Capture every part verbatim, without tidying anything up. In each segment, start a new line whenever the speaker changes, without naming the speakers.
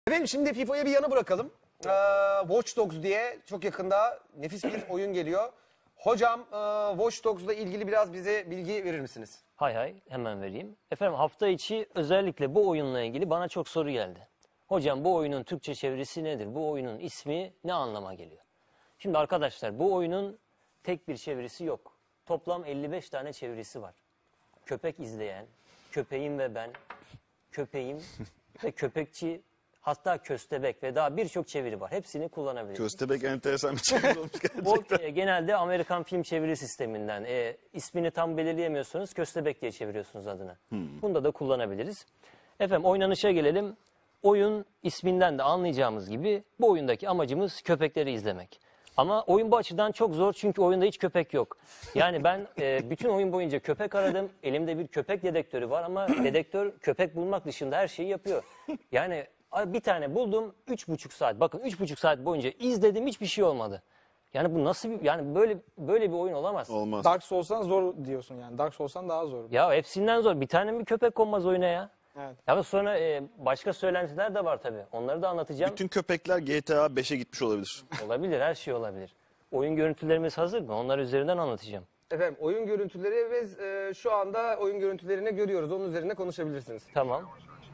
Efendim şimdi FIFA'yı bir yana bırakalım. Ee, Watch Dogs diye çok yakında nefis bir oyun geliyor. Hocam e, Watch Dogs'la ilgili biraz bize bilgi verir misiniz?
Hay hay, hemen vereyim. Efendim hafta içi özellikle bu oyunla ilgili bana çok soru geldi. Hocam bu oyunun Türkçe çevirisi nedir? Bu oyunun ismi ne anlama geliyor? Şimdi arkadaşlar bu oyunun tek bir çevirisi yok. Toplam elli beş tane çevirisi var. Köpek izleyen, köpeğim ve ben, köpeğim ve köpekçi, hatta köstebek ve daha birçok çeviri var. Hepsini kullanabiliriz.
Köstebek enteresan bir çeviri olmuş gerçekten.
O e, genelde Amerikan film çeviri sisteminden. E, ismini tam belirleyemiyorsanız köstebek diye çeviriyorsunuz adını. Hmm. Bunda da kullanabiliriz. Efendim oynanışa gelelim. Oyun isminden de anlayacağımız gibi bu oyundaki amacımız köpekleri izlemek. Ama oyun bu açıdan çok zor çünkü oyunda hiç köpek yok. Yani ben e, bütün oyun boyunca köpek aradım. Elimde bir köpek dedektörü var ama dedektör köpek bulmak dışında her şeyi yapıyor. Yani bir tane buldum, üç buçuk saat. Bakın üç buçuk saat boyunca izledim, hiçbir şey olmadı. Yani bu nasıl bir, yani böyle böyle bir oyun olamaz.
Olmaz.
Dark Souls'tan zor diyorsun yani. Dark Souls'tan daha zor.
Ya hepsinden zor. Bir tane bir köpek konmaz oyuna ya.
Evet.
Ya sonra e, başka söylentiler de var tabii. Onları da anlatacağım.
Bütün köpekler G T A beşe gitmiş olabilir.
Olabilir, her şey olabilir. Oyun görüntülerimiz hazır mı? Onlar üzerinden anlatacağım.
Efendim oyun görüntüleri biz e, şu anda oyun görüntülerini görüyoruz. Onun üzerine konuşabilirsiniz.
Tamam.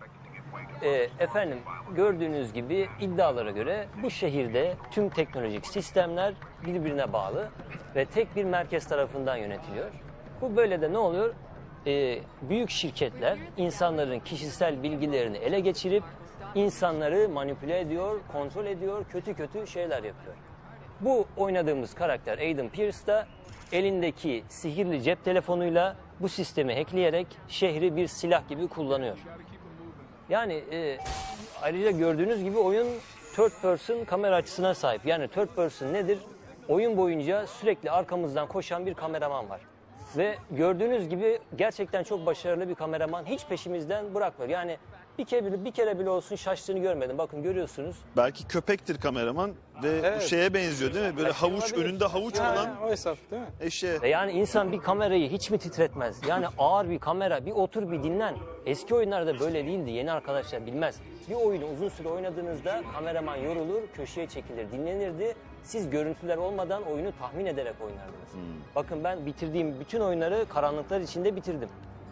Ee, efendim gördüğünüz gibi iddialara göre bu şehirde tüm teknolojik sistemler birbirine bağlı ve tek bir merkez tarafından yönetiliyor. Bu böyle de ne oluyor? Ee, büyük şirketler insanların kişisel bilgilerini ele geçirip insanları manipüle ediyor, kontrol ediyor, kötü kötü şeyler yapıyor. Bu oynadığımız karakter Aiden Pierce da elindeki sihirli cep telefonuyla bu sistemi hackleyerek şehri bir silah gibi kullanıyor. Yani e, ayrıca gördüğünüz gibi oyun third person kamera açısına sahip. Yani third person nedir? Oyun boyunca sürekli arkamızdan koşan bir kameraman var. Ve gördüğünüz gibi gerçekten çok başarılı bir kameraman, hiç peşimizden bırakmıyor. Yani bir kere bile, bir kere bile olsun şaştığını görmedim. Bakın görüyorsunuz.
Belki köpektir kameraman ve
Evet.
bu şeye benziyor değil mi? Böyle
Belki
havuç,
olabilir.
önünde havuç
Ha,
olan
o hesap değil mi?
eşeğe.
Ve yani insan bir kamerayı hiç mi titretmez? Yani ağır bir kamera, bir otur bir dinlen. Eski oyunlarda böyle değildi, yeni arkadaşlar bilmez. Bir oyunu uzun süre oynadığınızda kameraman yorulur, köşeye çekilir, dinlenirdi. Siz görüntüler olmadan oyunu tahmin ederek oynardınız. Hmm. Bakın ben bitirdiğim bütün oyunları karanlıklar içinde bitirdim.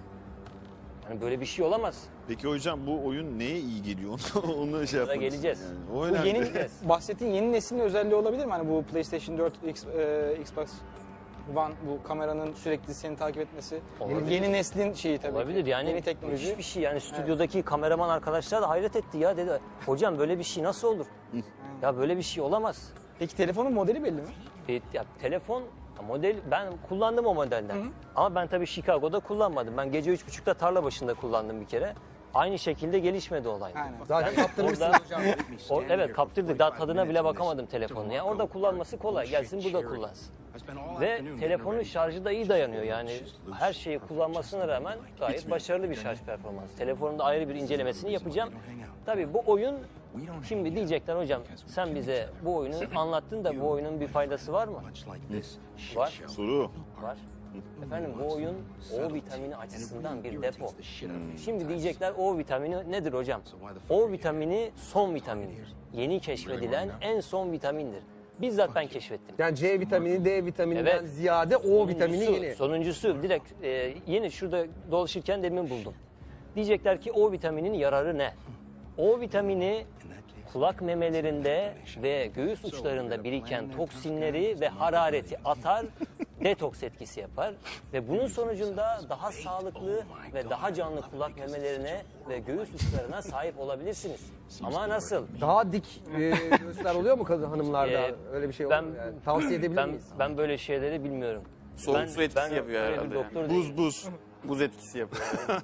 Yani böyle bir şey olamaz.
Peki hocam bu oyun neye iyi geliyor? Onu şey
Orada
yapmak
geleceğiz.
istiyorum yani. O
Bu
önemli.
yeni, bahsettiğin yeni neslin özelliği olabilir mi? Hani bu PlayStation dört, X, e, Xbox One, bu kameranın sürekli seni takip etmesi.
Olabilir.
Yeni neslin şeyi tabii
Olabilir
ki.
yani
Yeni teknoloji.
müthiş bir şey. Yani stüdyodaki kameraman arkadaşlar da hayret etti ya, dedi. Hocam böyle bir şey nasıl olur? Ya böyle bir şey olamaz.
Peki telefonun modeli belli mi?
E, ya telefon model, ben kullandım o modelden. Hı hı. Ama ben tabii Chicago'da kullanmadım. Ben gece üç buçukta tarla başında kullandım bir kere. Aynı şekilde gelişmedi olay.
Aynen.
Zaten kaptırmışsınız
Orada-
hocam.
O, evet kaptırdık. Daha tadına bile bakamadım telefonunu. Yani orada kullanması kolay. Gelsin burada kullansın. Ve telefonun şarjı da iyi dayanıyor. Yani her şeyi kullanmasına rağmen gayet başarılı bir şarj performansı. Telefonun da ayrı bir incelemesini yapacağım. Tabii bu oyun, şimdi diyecekler hocam sen bize bu oyunu anlattın da bu oyunun bir faydası var mı? Var.
Soru.
Var. Efendim bu oyun O vitamini açısından bir depo. Şimdi diyecekler O vitamini nedir hocam? O vitamini son vitamindir. Yeni keşfedilen en son vitamindir. Bizzat ben keşfettim.
Yani C vitamini, D vitamininden
Evet.
ziyade O vitamini
Sonuncusu-
yeni.
Sonuncusu direkt e, yeni şurada dolaşırken demin buldum. Diyecekler ki O vitaminin yararı ne? O vitamini kulak memelerinde ve göğüs uçlarında biriken toksinleri ve harareti atar, detoks etkisi yapar ve bunun sonucunda daha sağlıklı ve daha canlı kulak memelerine ve göğüs uçlarına sahip olabilirsiniz. Ama nasıl?
Daha dik e, göğüsler oluyor mu kadın hanımlarda?
Ee,
Öyle bir şey
ben-
olur mu yani? Tavsiye edebilir
Ben
miyiz?
ben böyle şeyleri bilmiyorum.
Soğuk
ben,
su etkisi
ben
yapıyor
öyle
herhalde
bir
yani.
doktor değilim.
Buz buz.
Buz etkisi yapıyor.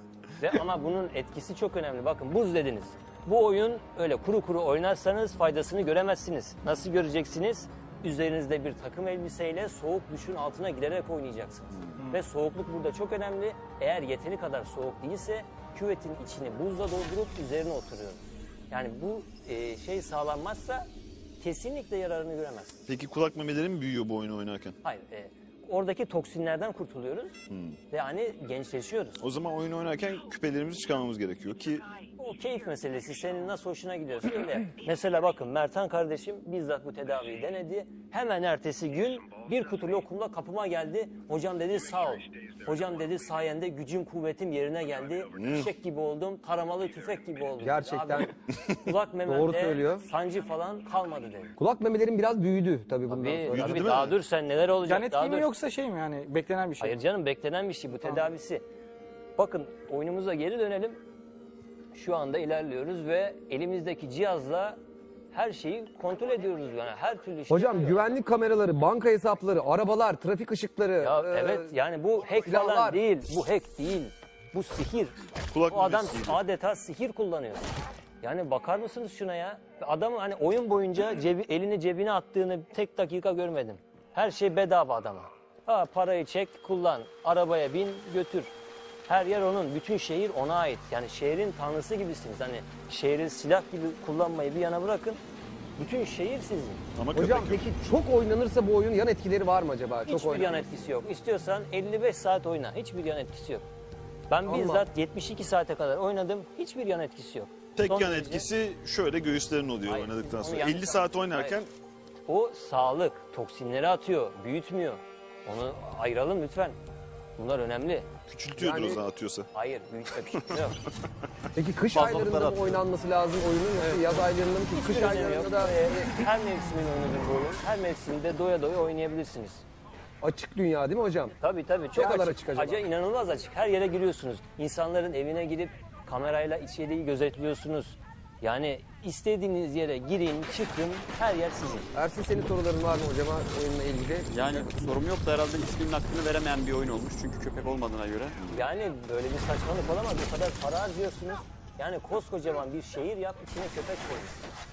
Ve ama bunun etkisi çok önemli. Bakın buz dediniz. Bu oyun öyle kuru kuru oynarsanız faydasını göremezsiniz. Nasıl göreceksiniz? Üzerinizde bir takım elbiseyle soğuk duşun altına girerek oynayacaksınız. Ve soğukluk burada çok önemli. Eğer yeteri kadar soğuk değilse küvetin içini buzla doldurup üzerine oturuyoruz. Yani bu e, şey sağlanmazsa kesinlikle yararını göremezsiniz.
Peki kulak memeleri mi büyüyor bu oyunu oynarken?
Hayır. E, oradaki toksinlerden kurtuluyoruz ve yani gençleşiyoruz.
O zaman oyun oynarken küpelerimizi çıkarmamız gerekiyor ki
O keyif meselesi. Senin nasıl hoşuna gidiyorsa öyle yap. Mesela bakın Mertan kardeşim bizzat bu tedaviyi denedi. Hemen ertesi gün bir kutu lokumla kapıma geldi. Hocam dedi sağ ol. Hocam dedi sayende gücüm kuvvetim yerine geldi. Fişek gibi oldum. Taramalı tüfek gibi oldum.
Gerçekten
Abi, kulak
Doğru
mememde
söylüyor.
sancı falan kalmadı dedi.
kulak memelerim biraz büyüdü tabii bundan
Tabii,
sonra.
tabii
değil
daha
mi?
dur sen neler olacak
Yan
daha
etki mi
dur.
yoksa şey mi yani beklenen bir şey
Hayır
mi?
canım beklenen bir şey bu tedavisi. Bakın oyunumuza geri dönelim. Şu anda ilerliyoruz ve elimizdeki cihazla her şeyi kontrol ediyoruz yani her türlü şey.
Hocam güvenlik kameraları, banka hesapları, arabalar, trafik ışıkları.
Ya
e,
evet yani bu hack
silahlar.
falan değil. Bu hack değil. Bu sihir.
Kulak
Bu adam
memesiydi.
adeta sihir kullanıyor. Yani bakar mısınız şuna ya? Adam hani oyun boyunca cebi, elini cebine attığını tek dakika görmedim. Her şey bedava adama. Ha parayı çek, kullan, arabaya bin, götür. Her yer onun, bütün şehir ona ait. Yani şehrin tanrısı gibisiniz. Hani şehri silah gibi kullanmayı bir yana bırakın. Bütün şehir sizin.
Ama
Hocam
köpek yok.
peki çok oynanırsa bu oyun yan etkileri var mı acaba? Çok
Hiçbir yan
oynanırsa.
etkisi yok. İstiyorsan elli beş saat oyna. Hiçbir yan etkisi yok. Ben
Allah.
bizzat yetmiş iki saate kadar oynadım. Hiçbir yan etkisi yok.
Tek
Son
yan
derece-
etkisi şöyle göğüslerin oluyor
Hayır,
oynadıktan
onu
sonra.
yanlış
elli saat
anladın.
oynarken
Hayır. O sağlık, toksinleri atıyor, büyütmüyor. Onu ayıralım lütfen. Bunlar önemli.
küçültüyordur
Yani-
o zaman atıyorsa.
Hayır, büyütme küçültme yok.
Peki kış
Fazlalıklar
aylarında mı
atıyor.
oynanması lazım oyunun yoksa yaz aylarında mı? Ki kış
Hiçbir önemi yok.
aylarında da
Ee, her mevsimin oyunudur bu oyun. Her mevsimde doya doya oynayabilirsiniz.
açık dünya değil mi hocam?
Tabii tabii çok
Ne kadar
açık.
açık acaba?
Acayip inanılmaz açık. Her yere giriyorsunuz. İnsanların evine girip kamerayla içeriği gözetliyorsunuz. Yani istediğiniz yere girin, çıkın, her yer sizin.
Ersin senin soruların var mı hocama oyunla ilgili?
Yani sorum yok da herhalde isminin hakkını veremeyen bir oyun olmuş. Çünkü köpek olmadığına göre.
Yani böyle bir saçmalık olamaz. O kadar para harcıyorsunuz. Yani koskocaman bir şehir yap, içine köpek koyun.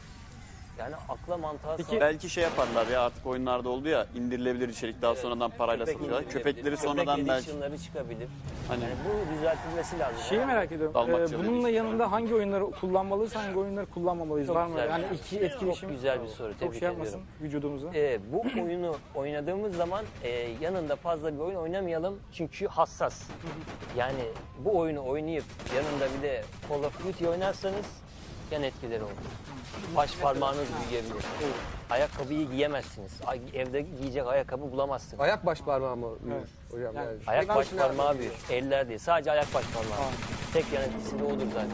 Yani akla mantığa sağ-
Belki şey yaparlar ya artık oyunlarda oldu ya indirilebilir içerik daha sonradan parayla
Köpek
satıyorlar.
indirilebilir.
Köpekleri sonradan
Köpek
belki.
edition'ları çıkabilir.
Hani
Yani bu düzeltilmesi lazım.
Şeyi
Yani
merak ediyorum.
Dalmatçalı
Ee, bununla
değil.
yanında hangi oyunları kullanmalıyız, hangi oyunları kullanmamalıyız?
Çok
Var mı?
güzel.
Yani iki etkileşim.
Çok güzel bir soru,
Çok
tebrik
şey yapmasın
ediyorum.
vücudumuza.
Ee, bu oyunu oynadığımız zaman e, yanında fazla bir oyun oynamayalım çünkü hassas. Yani bu oyunu oynayıp yanında bir de Call of Duty oynarsanız yan etkileri olur. Baş parmağınız büyüyebilir. Ayakkabıyı giyemezsiniz. Ay- Evde giyecek ayakkabı bulamazsınız.
Ayak baş parmağı mı büyür hocam?
Yani-
Yani.
Ayak
Ben
baş
şimdi-
parmağı büyür. Eller değil. Sadece ayak baş parmağı. Tek yan etkisi de odur zaten.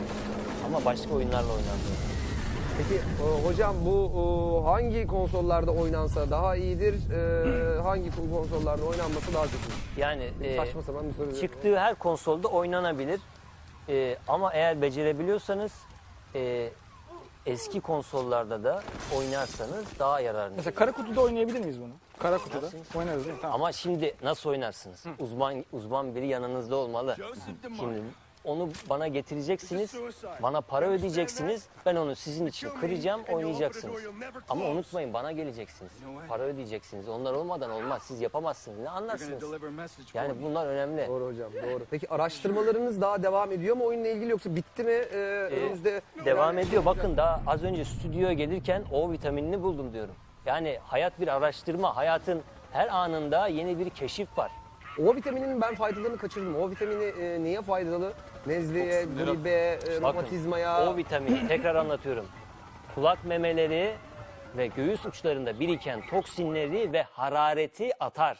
Ama başka oyunlarla oynanıyor.
Peki e, hocam bu e, hangi konsollarda oynansa daha iyidir? E, hangi konsollarda oynanması daha kötü?
Yani e,
Saçma sapan bir soru.
çıktığı her konsolda oynanabilir. E, ama eğer becerebiliyorsanız e, eski konsollarda da oynarsanız daha yararlı.
Mesela kara kutuda oynayabilir miyiz bunu? Kara kutuda oynarız değil mi? Tamam.
Ama şimdi nasıl oynarsınız? Uzman uzman biri yanınızda olmalı. Şimdi onu bana getireceksiniz, bana para ödeyeceksiniz, ben onu sizin için kıracağım, oynayacaksınız. Ama unutmayın bana geleceksiniz, para ödeyeceksiniz. Onlar olmadan olmaz, siz yapamazsınız, ne anlarsınız? Yani bunlar önemli.
Doğru hocam doğru. Peki araştırmalarınız daha devam ediyor mu oyunla ilgili yoksa bitti mi? E, önümüzde
Devam ediyor. Bakın daha az önce stüdyoya gelirken O vitaminini buldum diyorum. Yani hayat bir araştırma, hayatın her anında yeni bir keşif var.
O vitaminin ben faydalarını kaçırdım. O vitamini e, neye faydalı? Nezleye, gribe, e,
Bakın,
romatizmaya.
O vitamini tekrar anlatıyorum. Kulak memeleri ve göğüs uçlarında biriken toksinleri ve harareti atar.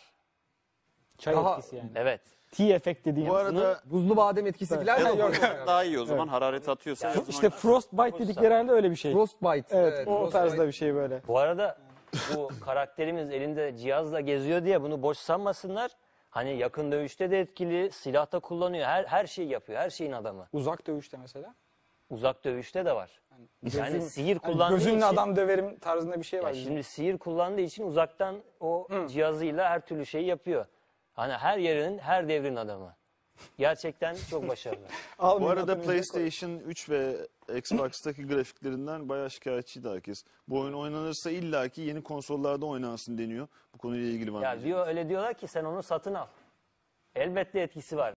Çay
Daha-
etkisi yani.
Evet.
Tea effect dediğin.
Bu arada
Buzlu badem etkisi falan
Ya
mı?
da
oluyor
yok,
yani?
daha iyi o zaman harareti atıyorsa. yazın
İşte
oynasın.
frostbite dedikleri halde öyle bir şey.
Frostbite.
Evet, o
frostbite.
tarzda bir şey böyle.
Bu arada bu karakterimiz elinde cihazla geziyor diye bunu boş sanmasınlar. Hani yakın dövüşte de etkili, silahta kullanıyor. Her her şeyi yapıyor. Her şeyin adamı.
Uzak dövüşte mesela.
Uzak dövüşte de var. Yani
Gözün-
sihir
Hani
kullandığı
gözünle
için.
adam döverim tarzında bir şey var.
Ya
bizim.
şimdi sihir kullandığı için uzaktan o cihazıyla her türlü şeyi yapıyor. Hani her yerin, her devrin adamı. Gerçekten çok başarılı.
Al
bu arada
mikrofonu koy.
PlayStation üç ve Xbox'taki grafiklerinden bayağı şikayetçiydi herkes. Bu oyun oynanırsa illaki yeni konsollarda oynansın deniyor. Bu konuyla ilgili var mı?
Ya diyor öyle diyorlar ki sen onu satın al. Elbette etkisi var.